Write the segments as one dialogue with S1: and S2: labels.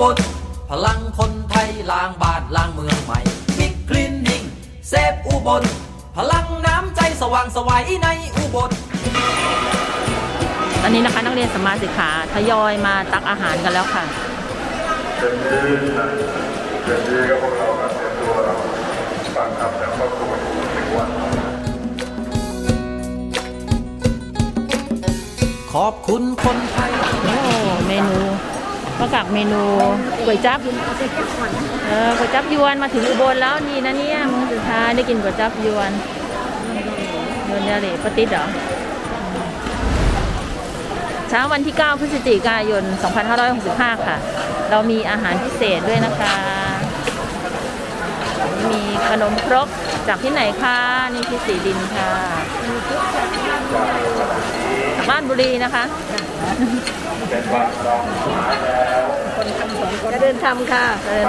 S1: ลพลังคนไทยล้างบ้านล้างเมืองใหม่บิ๊กคลีนนิ่งเซฟอุบลพลังน้ำใจสว่างไสวในอุบล
S2: ตอนนี้นะคะนักเรียนสมาสิกขาทยอยมาตักอาหารกันแล้วค่ะ
S3: เดือนนี้ก็พวกเราเตรียมตัวฟังคำจากครอบครัวในวัน
S1: ขอบคุณคนไทย
S2: โอ้เมนูประกอบเมนูก๋วยจั๊บก๋วยจั๊บยวนมาถึงอุบลแล้วนี่นะเนี่ยมื้อสุดท้ายได้กินก๋วยจั๊บยวนเนี่ยเลยปะติดเหรอเช้าวันที่ 9 พฤศจิกายน 2565 ค่ะเรามีอาหารพิเศษด้วยนะคะมีขนมครกจากที่ไหนคะนี่ที่สีดินค่ะจากบ้านบุรีนะคะ
S4: คนทำสองคนจะเดินทำค่ะ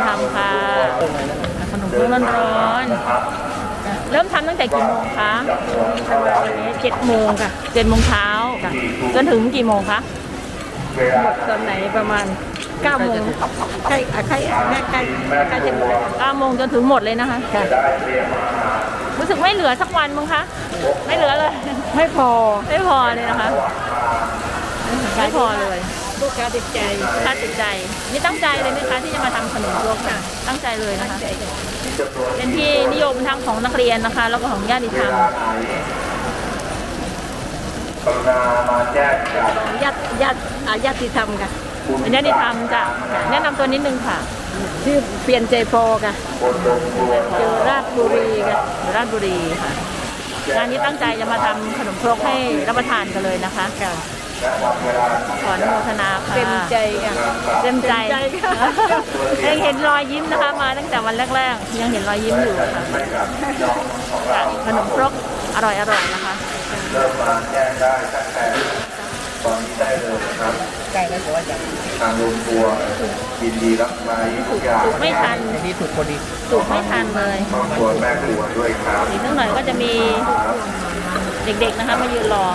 S2: ขนมครกร้อนๆเริ่มทำตั้งแต่กี่โมงคะ
S4: 7 โมงค่ะ
S2: 7 โมงเช้าจนถึงกี่โมงคะ
S4: หมดตอนไหนประมาณ9 โมงใกล้จะหมด
S2: 9 โมงจนถึงหมดเลยนะคะรู้สึกไม่เหลือสักวันมั้งคะไม่เหลือเลย
S4: ไม่พอ
S2: เลยนะคะไม่พอเลย
S4: ลูกค้าติดใจ
S2: นี่ตั้งใจเลยไหมคะที่จะมาทำขนมครกค่ะตั้งใจเลยนะคะเป็นที่นิยมทั้งของนักเรียนนะคะแล้วก็ของญาติธรรม
S3: มาแจ้งกับ
S4: ญาติธรรมค่ะ
S2: เป็นญาติธรรมจ้ะแนะนำตัวนิดนึงค่ะ
S4: ชื่อเปลี่ยนใจโฟค่ะอยู่ราชบุรีค่ะ
S2: งานนี้ตั้งใจจะมาทำขนมครกให้รับประทานกันเลยนะคะขออนุโมทนาค่ะ
S4: เต็มใจค่ะ
S2: ยังเห็นรอยยิ้มนะคะมาตั้งแต่วันแรกๆยังเห็นรอยยิ้มอยู่ค่ะขนมครกอร่อยนะคะ
S3: เริ่มมาแจ้งได้ตั้งแต่ตอนนี้ได้เลยนะครับ
S4: ใกล้แล้วว่าจะ
S3: ทางโรงครัวยินดีรับไว้ทุกอย่าง
S2: ไม่ทัน
S4: นี่ถูกพอดี
S2: ถูกไม่ทันเลย
S3: ครอบครัวแม่ครัวด้วยครับ
S2: อีกสักหน่อยก็จะมีเด็กๆนะคะมายืนรอ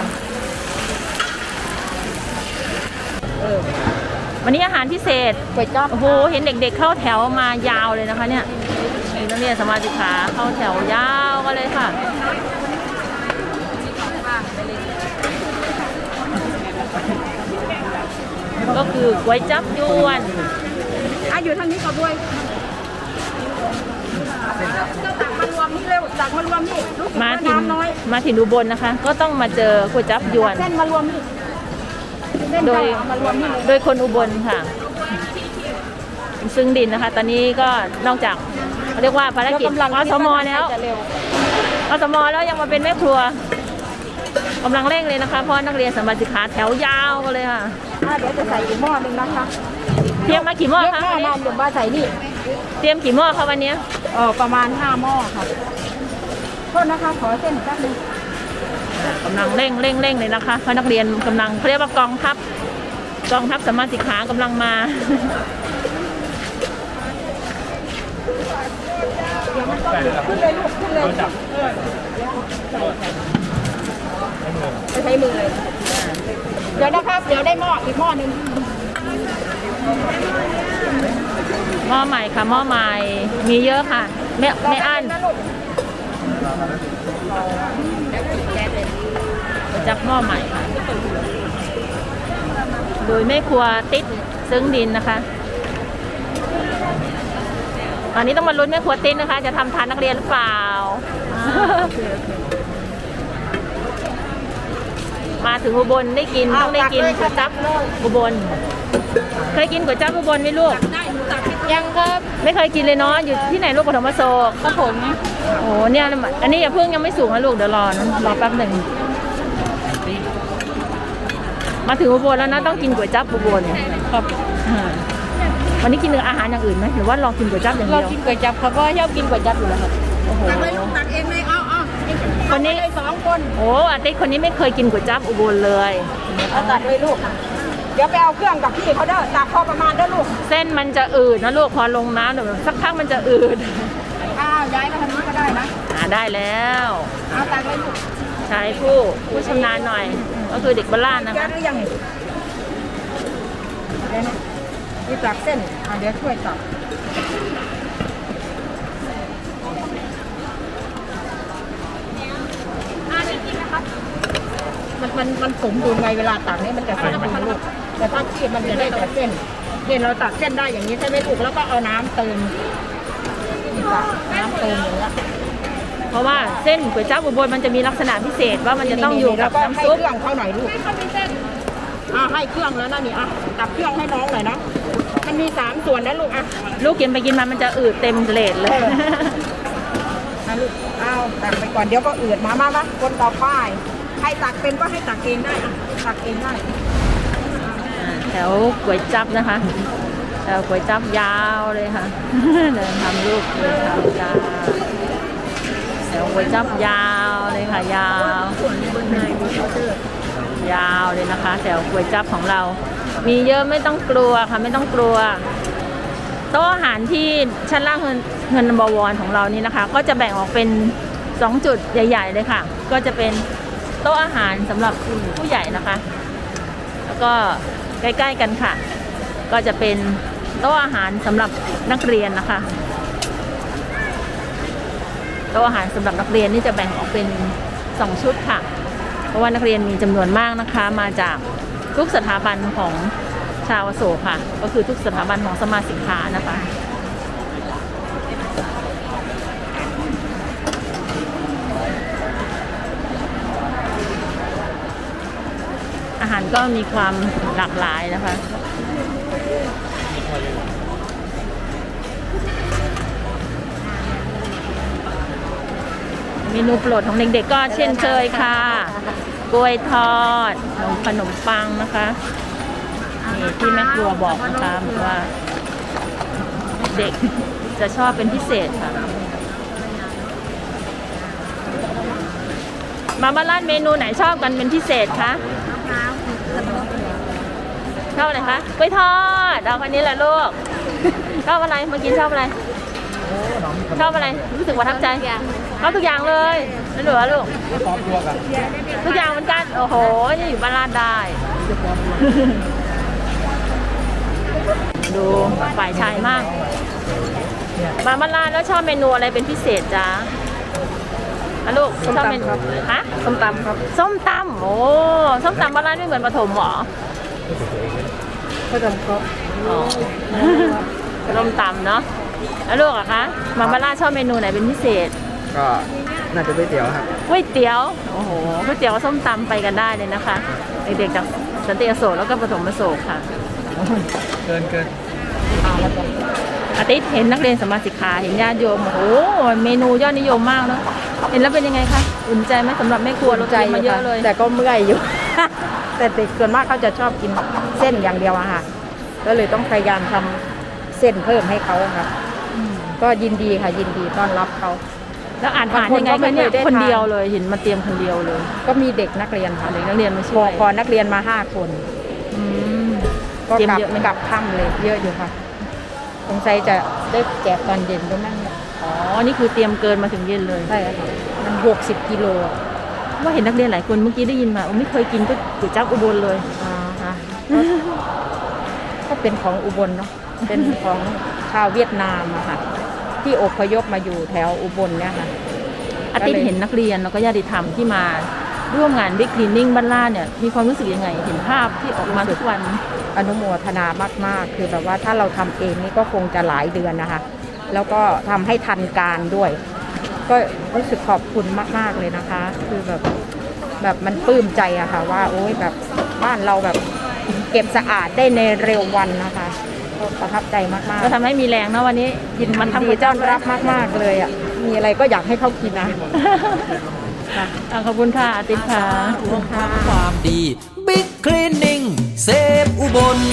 S2: วันนี้อาหารพิเศษ
S4: ก๋วยจั๊บ
S2: โอ้โหเห็นเด็กๆเข้าแถวมายาวเลยนะคะเนี่ยนักเรียนสมาชิกขาเข้าแถวยาวกันเลยค่ะก็คือก๋วยจั๊บยวน
S4: อยู่ทางนี้ก็ด้วยตักมารวมนี่เร็วตักมารวมนี่
S2: มาถึงอุบลนะคะก็ต้องมาเจอก๋วยจั๊บยวน
S4: เส้นมารวมนี่
S2: โดยคนอุบลค่ะซึ่งดินนะคะตอนนี้ก็นอกจากเรียกว่าภารกิจอสม.แล้วยังมาเป็นแม่ครัวกำลังเร่งเลยนะคะเพราะนักเรียนสมาชิกขาแถวยาวกันเลยค่ะ
S4: เดี๋ยวจะใส่อีกหม้อนึงนะคะ
S2: เตรียมมากี่หม้อคะ
S4: วันนี้เดี๋ยวมาใส่นี่
S2: เตรียมกี่หม้อคะวันนี้
S4: ประมาณ5 หม้อค่ะโทษนะคะขอเส้นแป๊บนึง
S2: กำลังเร่งเลยนะคะเพราะนักเรียนกำลังเรียกว่ากองทัพสมาชิกขากำลังมา
S4: ขึ้นเลยใช้มือเลยเดี๋ยวนะครับเดี๋ยวได้หม้ออีกหม้อนึง
S2: หม้อใหม่ค่ะหม้อใหม่มีเยอะค่ะไม่อั้นจับหม้อใหม่ค่ะโดยแม่ครัวติ๊ดซึ้งดินนะคะตอนนี้ต้องมาลุ้นแม่ครัวติ๊ดนะคะจะทำทานนักเรียนหรือเปล่ามาถึงอุบลได้กินต้องได้กินก๋วยจั๊บอุบลเคยกินก๋วยจั๊บอุบลไหมลูก
S4: ยังก็
S2: ไม่เคยกินเลยเนาะอยู่ที่ไหนลูกปฐมโศก
S4: ครับผม
S2: โอ้เนี่ยอันนี้อย่าเพิ่งยังไม่สูงนะลูกเดี๋ยวรอแป๊บหนึ่งมาถึงอุบลแล้วนะต้องกินก๋วยจั๊บอุบล
S4: ครับ
S2: วันนี้กินอาหารอย่างอื่นไหมหรือว่าลองกินก๋วยจั๊บอย่างเดียว
S4: ลองกินก๋วยจั๊บครับเพราะชอบกินก๋วยจั๊บอยู่แล้วครับ
S2: โอ้โห
S4: ตักเองเลย
S2: คนนี้
S4: 2 คน
S2: โอ้อาทิตย์คนนี้ไม่เคยกินก๋วยจั๊บอุบลเลย
S4: ตักเลยลูกเดี๋ยวไปเอาเครื่องกับพี่เขาเด้อตักพอประมาณเด้อลูก
S2: เส้นมันจะอืดนะลูกพอลงน้ำเดี๋ยวสักพักมันจะอืด
S4: ย้ายมาทางนี้ก็ได้นะ
S2: ได้แล้ว
S4: เอาตักเลยลูก
S2: ใช้ผู้ชำนาญหน่อยก็คือเด็กบ้านนะคะ
S4: หรือยังที่ตักเส้นเดี๋ยวช่วยตักมันสมดุลไงเวลาตักนี่มันจะสมดุลลูกแต่ถ้าคีบมันจะได้แต่เส้นเราตักเส้นได้อย่างนี้ใช่ไหมลูกแล้วก็เอาน้ำเติมน้ำเติมอย่างเงี้ย
S2: เพราะว่าเส้นก๋วยจั๊บอุบลมันจะมีลักษณะพิเศษว่ามันจะต้องอยู่กับน้ำซุป
S4: ให้เครื่องเขาหน่อยลูกให้เครื่องแล้วนะนี่ตักเครื่องให้น้องหน่อยนะมันมี3ส่วนนะลูก
S2: ลูกกินไปกินมามันจะอืดเต็มเลทเลย
S4: ลูกเอาตักไปก่อนเดี๋ยวก็อืดมาคนต่อไปใครตักเป็นก็ให้ตักเองได้ตักเองได้
S2: แถวก๋วยจั๊บนะคะแถวก๋วยจั๊บยาวเลยค่ะ เดินทำรูปก๋วยจั๊บยาวแถวก๋วยจั๊บยาวเลยค่ะยาวยาวเลยนะคะแถวก๋วยจั๊บของเรา มีเยอะไม่ต้องกลัวค่ะไม่ต้องกลัวโต๊ะอาหารที่ชั้นล่างเงินบวรของเรานี่นะคะ ก็จะแบ่งออกเป็น2จุดใหญ่ๆเลยค่ะก็จะเป็นโต๊ะอาหารสำหรับผู้ใหญ่นะคะ แล้วก็ใกล้ๆกันค่ะก็จะเป็นโต๊ะอาหารสำหรับนักเรียนนะคะโต๊ะอาหารสำหรับนักเรียนนี่จะแบ่งออกเป็น2ชุดค่ะเพราะว่านักเรียนมีจำนวนมากนะคะมาจากทุกสถาบันของชาวอโศกค่ะก็คือทุกสถาบันของสมาสินค้านะคะอาหารก็มีความหลากหลายนะคะเมนูโปรดของเด็กๆก็เช่นเคยค่ะกล้วยทอดขนมปังนะคะนี่ที่แม่ครัวบอกนะคะว่าเด็กจะชอบเป็นพิเศษค่ะมาบ้านร้านเมนูไหนชอบกันเป็นพิเศษคะชอบอะไรคะกล้วยทอดเอาคนนี้แหละลูกชอบอะไรเมื่อกี้ชอบอะไรชอบอะไรรู้สึกประทับใจชอบทุกอย่างเลยนั่นเหรอลูกทุกอย่างเหมือนกันโอ้โหนี่อยู่บ้านร้านได้ดูฝ่ายชายมากมาบ้านร้านแล้วชอบเมนูอะไรเป็นพิเศษจ๊ะลูกชอบเมนูฮะส้มตำครับส้มตำโอ้ส้มตำบ้านร้านไม่เหมือนปฐมหรอ
S4: ก็ทำครับ
S2: ส้มตำเนาะแล้วลูกอะคะมาบ้านร้านชอบเมนูไหนเป็นพิเศษ
S5: ก็น่าจะก๋วยเตี๋ยวครับ
S2: ก๋วยเตี๋ยวโอ้โหก๋วยเตี๋ยวส้มตำไปกันได้เลยนะคะเด็กๆจากสันติอโศกแล้วก็ปฐมอโศกค่ะ
S5: เกิน
S2: อาทิตย์เห็นนักเรียนสมาสิกขาเห็นญาติโยมโอ้โหเมนูยอดนิยมมากเนาะเห็นแล้วเป็นยังไงคะอุ่นใจไหมสำหรับแม่ครัวเราใจมาเยอะเลย
S4: แต่ก็เมื่อยอยู่ แต่เด็กส่วนมากเขาจะชอบกินเส้นอย่างเดียวอะค่ะก็เลยต้องพยายามทำเส้นเพิ่มให้เขาค่ะก็ยินดีค่ะยินดีต้อนรับเขา
S2: แล้วอ่านยังไงคะเนี่ยคนเดียวเลยเห็นมาเตรียมคนเดียวเลย
S4: ก็มีเด็กนักเรียนค่ะ
S2: เด็กนักเรียนมาช่วย
S4: พอนักเรียนมา5 คนก็กลับค่ำเลยเยอะอยู่ค่ะสงสัยจะได้แจกตอนเย็นด้วยมั้ง
S2: อ๋อนี่คือเตรียมเกินมาถึงเย็นเลย
S4: ใช่ค่ะมัน60 กิโล
S2: ว่าเห็นนักเรียนหลายคนเมื่อกี้ได้ยินมาไม่เคยกินก๋วยจั๊บอุบลเลย
S4: ค่ะก็เป็นของอุบลเนาะเป็นของชาวเวียดนามอะค่ะที่อพยพมาอยู่แถวอุบลเนี่ยค่ะ
S2: อาทิตย์เห็นนักเรียนแล้วก็ญาติธรรมที่มาร่วมงานบิ๊กคลีนนิ่งบ้านล่าเนี่ยมีความรู้สึกยังไงเห็นภาพที่ออกมาทุกวัน
S4: อนุโมทนามากๆคือแบบว่าถ้าเราทำเองนี่ก็คงจะหลายเดือนนะคะแล้วก็ทำให้ทันการด้วยก็รู้สึกขอบคุณมากๆเลยนะคะคือแบบมันปลื้มใจอะค่ะว่าโอ้ยแบบบ้านเราแบบเก็บสะอาดได้ในเร็ววันนะคะประทับใจมากๆ
S2: ก็ทำให้มีแรงนะวันนี้
S4: ยินมันทำดีต้อนรับมากๆเลยอ่ะมีอะไรก็อยากให้เขากินนะ
S2: ขอบคุณค่ะอาทิตย์ค่ะ
S1: ความดีบิ๊กคลีนนิ่งเซฟอุบล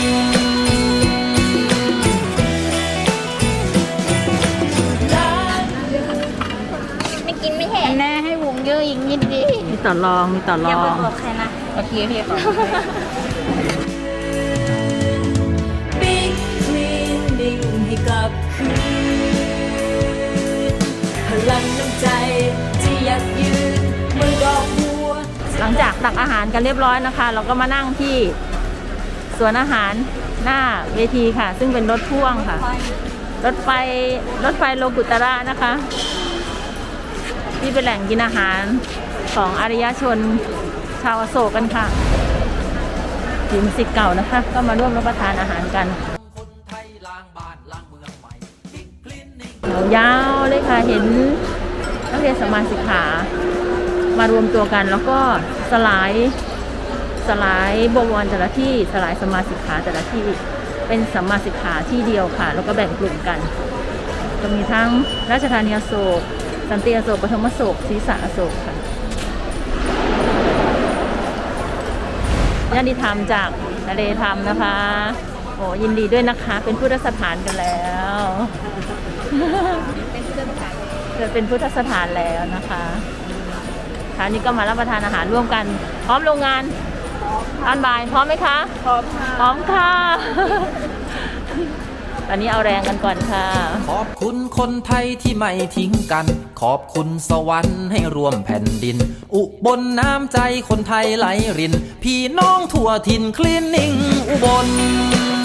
S6: ไม่กินไม่แห้งแน่ให้วงเยอะอีกนิดดิ
S2: มีต่อรอง
S6: อย่าบอกใครนะ
S4: โอเคพี่ขอ
S1: กลับคืนพลังน้ำใจที่ยักยืนเมื่อดอกบัว
S2: หลังจากตักอาหารกันเรียบร้อยนะคะเราก็มานั่งที่สวนอาหารหน้าเวทีค่ะ ซึ่งเป็นรถพ่วงค่ะ รถไฟโลกุตระนะคะ ที่เป็นแหล่งกินอาหารของอารยชนชาวอโศกกันค่ะถิ่นศิษย์เก่านะคะ ก็มาร่วมรับประทานอาหารกัน
S1: คนไทยล้างบ้านล้างเมืองใหม่บิ๊กคลินิก
S2: ยาวๆเลยค่ะ เห็นนักเรียนสัมมาสิกขามารวมตัวกัน แล้วก็สลายบวรแต่ละที่สลายสัมมาสิกขาแต่ละที่เป็นสัมมาสิกขาที่เดียวค่ะ แล้วก็แบ่งกลุ่มกันจะมีทั้งราชธานีอโศกสันติอโศกปฐมอโศกศรีษะอโศกค่ะญาติธรรมจากทะเลธรรมนะคะโอ้ยินดีด้วยนะคะเป็นพุทธสถานกันแล้วเป็นพุทธสถานแล้วนะคะค่ะนี่ก็มารับประทานอาหารร่วมกันพร้อมโรงงานตอนบ่ายพร้อมไหมคะพร้อมค่ะพร้อมค่ะตอนนี้เอาแรงกันก่อนค่ะ
S1: ขอบคุณคนไทยที่ไม่ทิ้งกัน ขอบคุณสวรรค์ให้รวมแผ่นดิน อุบลน้ำใจคนไทยไหลริน พี่น้องทั่วถิ่นคลินิกอุบล